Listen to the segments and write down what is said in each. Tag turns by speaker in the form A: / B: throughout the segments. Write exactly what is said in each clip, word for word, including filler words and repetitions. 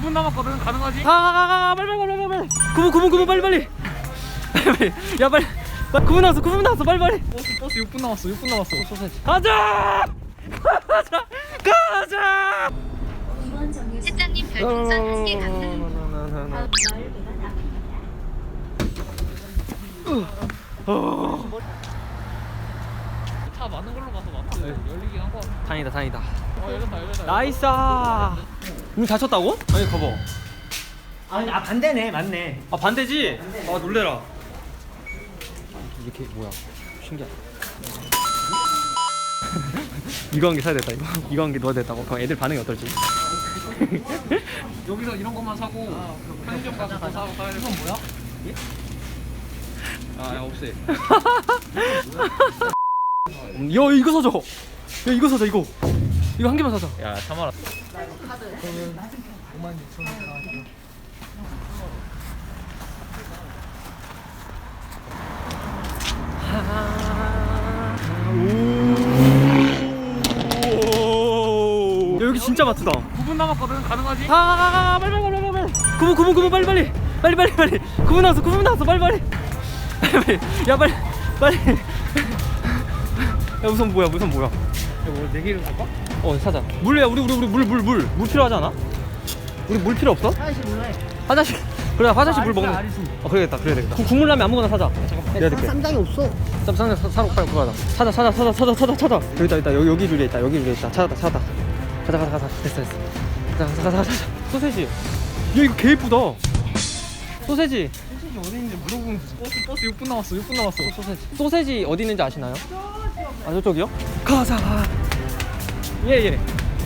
A: 분 남았거든. 가능하지?
B: 가가가가 빨리 빨리 빨리 빨리. 구분 구분 구분 빨리 빨리. 빨리 야 빨리. 구 분 남았어 구 분 남았어 빨리 빨리.
A: 버스 버스 육 분 남았어. 육 분 남았어.
B: 가자 가자 가자.
C: 실장님 별풍선 한 개 감사합니다.
A: 차 많은 걸로 가서 막혀. 열리긴 한 거.
B: 다행이다 다행이다.
A: 어 열렸다 열렸다.
B: 나이스. 문 닫혔다고? 아니 가봐.
D: 아니 아 반대네 맞네.
B: 아 반대지? 아 놀래라. 이렇게 뭐야? 신기하다. 이거 한 개 사야 됐다 이거. 이거 한 개 넣어야 됐다고. 그럼 애들 반응이 어떨지?
A: 여기서 이런 것만 사고 편의점 가서 더 사고 사야 돼. 이건 뭐야? 아야 없애.
B: 야 이거 사자. 야 이거 사자 이거. 이거 한 개만 사자.
A: 야 참아라.
B: 오. 야, 여기 진짜 마트다.
A: 구 분 남았거든. 가능하지?
B: 아 빨리 빨리 빨리 빨리. 구분 구분 구분 빨리 빨리 빨리 빨리 빨리. 구분 나왔어 구분 나왔어 빨리 빨리. 빨리 빨리. 야 빨리 빨리. 야 우선 뭐야 우선 뭐야?
A: 뭐 내기를 갈까?
B: 어 사자. 물이야 우리 우리 우리 물 물 물 물 필요하지 않아? 우리 물 필요 없어?
D: 화장실 몰래.
B: 화장실. 그래 화장실 물 먹는.
D: 아리수.
B: 어 그래야겠다 그래야겠다. 국- 국물 라면 아무거나 사자. 내가 될게.
D: 쌈장이 없어.
B: 쌈 쌈장 사- 사러 빨리 가자. 찾아 찾아 찾아 찾아 찾아 찾아. 여기 있다 있다 여기 여기 줄에 있다 여기 줄에 있다. 찾았다 찾았다. 가자 가자 가자 됐어 됐어. 가자 가자 가자 가자. 소세지. 야 이거 개 이쁘다. 소세지.
A: 소시지 어디 있는지 물어보면 되지. 버스 버스 육 분 남았어. 육 분 남았어.
B: 소세지. 소세지 어디 있는지 아시나요? 아 저쪽이요? 가자. 예예. 예.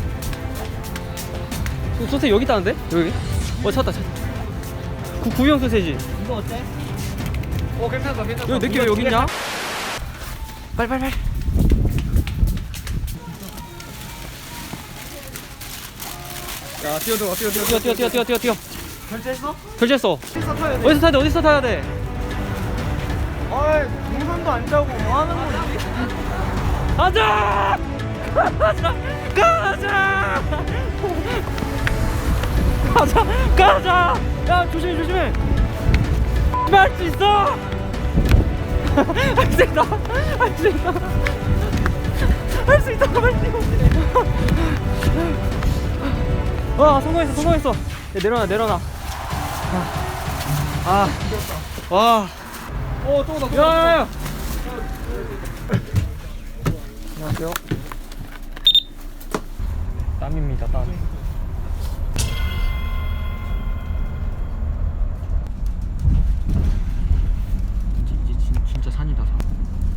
B: 소, 소세지 여기 있다는데? 여기? 어 찾았다 찾았다. 구, 구형 소세지.
D: 이거 어때?
A: 어 괜찮다 괜찮다.
B: 여기 느낌 여기 있냐? 빨리 빨리 빨리.
A: 야 뛰어들어 뛰어들어
B: 뛰어 뛰어 뛰어 뛰어 뛰어 뛰어.
D: 결제했어?
B: 결제했어.
D: 어디서 타야 돼?
B: 어디서 타야 돼? 어디서 타야 돼?
D: 아이 동선도 안 짜고 뭐 하는 거지?
B: 가자! 가자! 가자! 가자! 가자! 야 조심해 조심해. 할 수 있어! 할 수 있다! 할 수 있다! 할 수 있다! 할 수 있다! 와 성공했어 성공했어. 야, 내려놔 내려놔. 아, 아, 와.
A: 어 또다
B: 야야야. 안녕하세요. 땀입니다 땀. 이제, 이제 진, 진짜 산이다 산.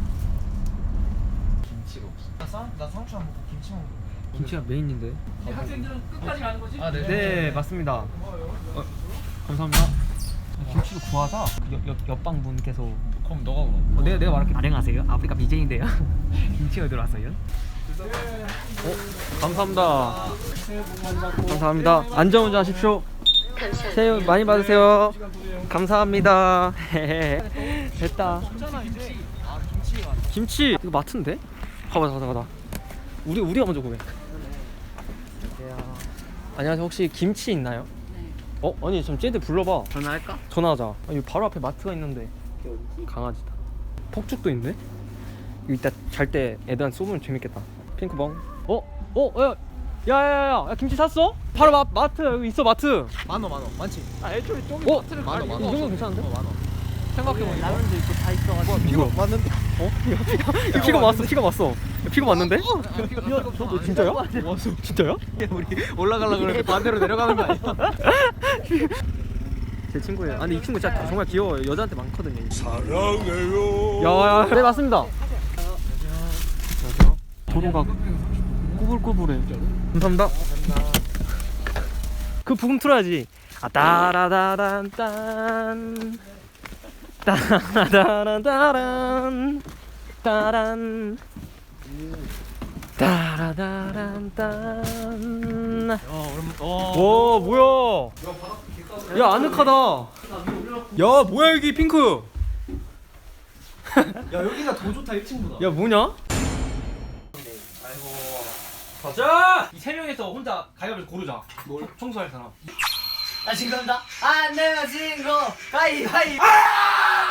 A: 김치가 없어.
D: 나, 나 상추 안 먹고 김치 먹고.
B: 김치가 메인인데.
A: 이 학생들은 끝까지 가는 거지? 아
B: 네 맞습니다. 어, 감사합니다. 아, 김치를 구하자. 그 옆, 옆, 옆방 분께서
A: 그럼 너가 그럼.
B: 어, 내가 내가 말할게. 안녕하세요. 아프리카 비제이인데요. 김치가 들어왔어요. 어, 감사합니다. 감사합니다. 안전운전 하십시오. 새해 복 많이 받으세요. 감사합니다. 됐다.
A: 괜찮아 이제. 아 김치가.
B: 김치 이거 마트인데? 가봐 가봐 가봐. 우리 우리가 먼저 구해. 안녕하세요. 혹시 김치 있나요? 어? 아니 좀 쟤들 불러봐.
D: 전화할까?
B: 전화하자. 아니 바로 앞에 마트가 있는데. 강아지다. 폭죽도 있네. 이거 이따 잘 때 애들한테 쏘면 재밌겠다. 핑크봉. 어? 어? 야, 야야야야. 야, 김치 샀어? 바로 마, 마트 여기 있어 마트.
A: 만원 만원 많지. 아 애초에 저기
B: 어?
A: 마트를
B: 만
A: 갈
B: 원,
A: 이유가
B: 만 원. 이 정도
A: 없어.
B: 괜찮은데?
A: 어, 만원. 생각해보니까.
D: 라면도 있고 다 있어가지고.
B: 피가
A: 맞는데?
B: 어? 야, 피가 왔어 피가 왔어. 야, 피가 왔는데?
A: 너
B: 진짜야? 왔어. 진짜야?
A: 우리 올라가려고 그러는데 반대로 내려가는 거 아니야?
B: 제 친구예요. 아 근데 이 친구 진짜 정말 귀여워요. 여자한테 많거든요. 사랑해요. 야야. 네 맞습니다. 안녕하세요. 도로가 꾸불꾸불해. 감사합니다. 그 부금 틀어야지. 아 따라다란 딴 따라다란 따란 따란 따라다란 딴. 와 뭐야? 야 아늑하다. 야 뭐야 여기 핑크.
D: 야 여기가 더 좋다 일 층보다.
B: 야 뭐냐? 아이고 가자. 이 세 명에서 혼자 가위바위보 고르자. 뭘? 청소할 사람.
D: 아, 진 겁니다. 안 내면 진 거. 가위바위보. 아!